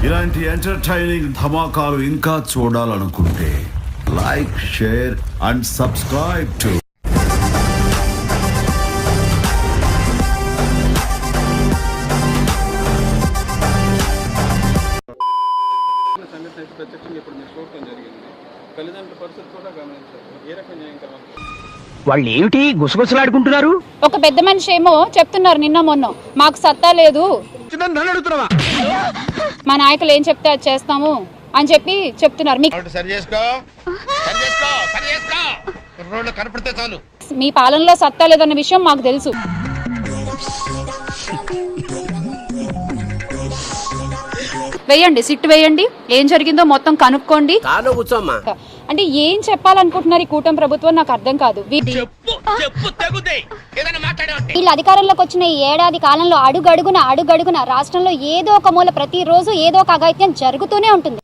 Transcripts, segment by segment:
ఇలాంటి ఎంటర్టైనింగ్ ధమాకాలు ఇంకా చూడాలనుకుంటే like, share and subscribe to వాళ్ళు ఏమిటి గుసగుసలాడుకుంటున్నారు? ఒక పెద్ద మనిషి ఏమో చెప్తున్నారు నిన్న మొన్న మాకు సత్తా లేదు, మా నాయకులు ఏం చెప్తే అది చేస్తాము అని చెప్పి చెప్తున్నారు. మీ పాలనలో సత్తా లేదన్న విషయం మాకు తెలుసు. వేయండి, సిట్ వేయండి, ఏం జరిగిందో మొత్తం కనుక్కోండి. అంటే ఏం చెప్పాలనుకుంటున్నారు ఈ కూటమి ప్రభుత్వం నాకు అర్థం కాదు. వీళ్ళు అధికారంలోకి వచ్చిన ఈ ఏడాది కాలంలో అడుగడుగున రాష్ట్రంలో ఏదో ఒక మూల ప్రతిరోజు ఏదో ఒక అఘాయిత్యం జరుగుతూనే ఉంటుంది.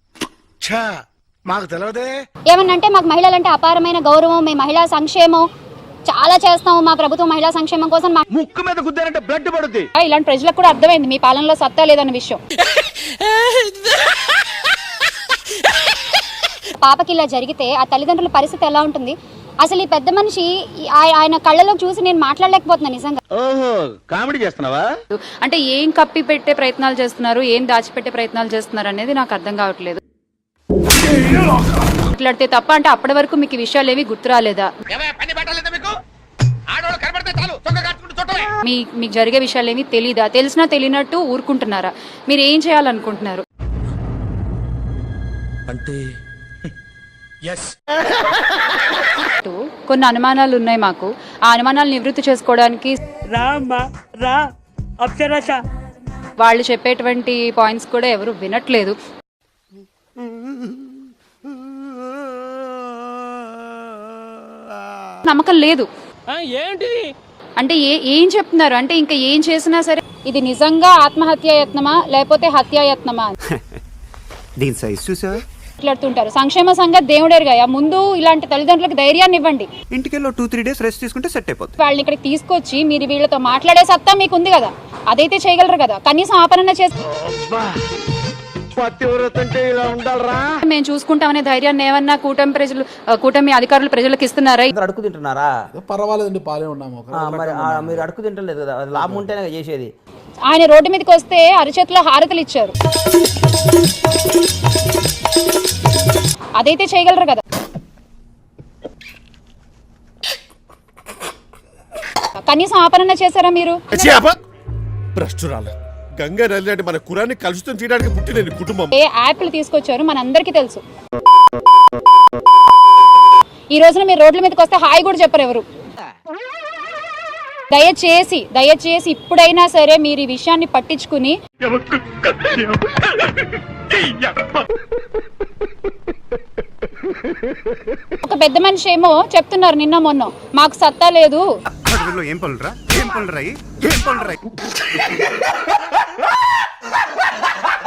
ఏమన్నంటే మాకు మహిళలంటే అపారమైన గౌరవం, మేము మహిళా సంక్షేమం చాలా చేస్తాము, మా ప్రభుత్వం మహిళా సంక్షేమం కోసం ముక్కు మీద గుద్దారంటే బ్లడ్ పడుతుంది. ఇలాంటి ప్రజలకు కూడా అర్థమైంది మీ పాలనలో సత్తా లేదన్న విషయం. పాపకి ఇలా జరిగితే ఆ తల్లిదండ్రుల పరిస్థితి ఎలా ఉంటుంది? అసలు ఈ పెద్ద మనిషి ఆయన కళ్ళలో చూసి నేను మాట్లాడలేకపోతున్నా నిజంగా. కామెడీ చేస్తున్నావా? అంటే ఏం కప్పి పెట్టే ప్రయత్నాలు చేస్తున్నారు, ఏం దాచిపెట్టే ప్రయత్నాలు చేస్తున్నారు అనేది నాకు అర్థం కావట్లేదు. మాట్లాడితే తప్ప అంటే అప్పటి వరకు మీకు విషయాలు ఏవి గుర్తు రాలేదా? మీకు జరిగే విషయాలు ఏమి తెలీదా? తెలిసినా తెలియనట్టు ఊరుకుంటున్నారా? మీరు ఏం చేయాలనుకుంటున్నారు? అంటే కొన్ని అనుమానాలు ఉన్నాయి మాకు. ఆ అనుమానాలు నివృత్తి చేసుకోవడానికి వాళ్ళు చెప్పేటువంటి పాయింట్స్ కూడా ఎవరు వినట్లేదు. నమ్మకం లేదు. అంటే ఏం చెప్తున్నారు అంటే ఇంకా ఏం చేసినా సరే ఇది నిజంగా ఆత్మహత్యాయత్నమా లేకపోతే హత్యాయత్నమా దీని సైజ్ చూసా మాట్లాడుతుంటారు. సంక్షేమ సంఘ దేవుడేరుగా ముందు ఇలాంటి తల్లిదండ్రులకు ధైర్యాన్ని ఇవ్వండి. ఇంటికెళ్ళి 2-3 days రెస్ట్ తీసుకుంటే సెట్ అయిపోతుంది. వాళ్ళని ఇక్కడికి తీసుకొచ్చి మీరు వీళ్ళతో మాట్లాడే సత్తా మీకు ఉంది కదా, అదైతే చేయగలరు కదా. కనీసం ఆపరణ చేసి మేము చూసుకుంటామనే ధైర్యాన్ని ఏమన్నా కూటమి అధికారులు ప్రజలకు ఇస్తున్నారా? అడుగు తింటున్నారా? పర్వాలేదండి, పాలే ఉన్నాము. మీరు అడుగు తింటలేదు కదా, లాభం ఉంటేనే చేసేది. ఆయన రోడ్డు మీదకి వస్తే అరచేతిలో హారతలు ఇచ్చారు, అదైతే చేయగలరు కదా. కనీసం ఆపరణ చేశారా మీరు? గంగా నది అంటే మన కురాన్ని కలుషితం చేయడానికి పుట్టిన కుటుంబం. ఏ యాప్లు తీసుకొచ్చారు మనందరికీ తెలుసు. ఈ రోజున మీరు రోడ్ల మీదకి వస్తే హాయ్ కూడా చెప్పరు ఎవరు. దయచేసి ఇప్పుడైనా సరే మీరు ఈ విషయాన్ని పట్టించుకుని ఒక పెద్ద మనిషి ఏమో చెప్తున్నారు నిన్న మొన్న మాకు సత్తా లేదు. ఏం పనులు రా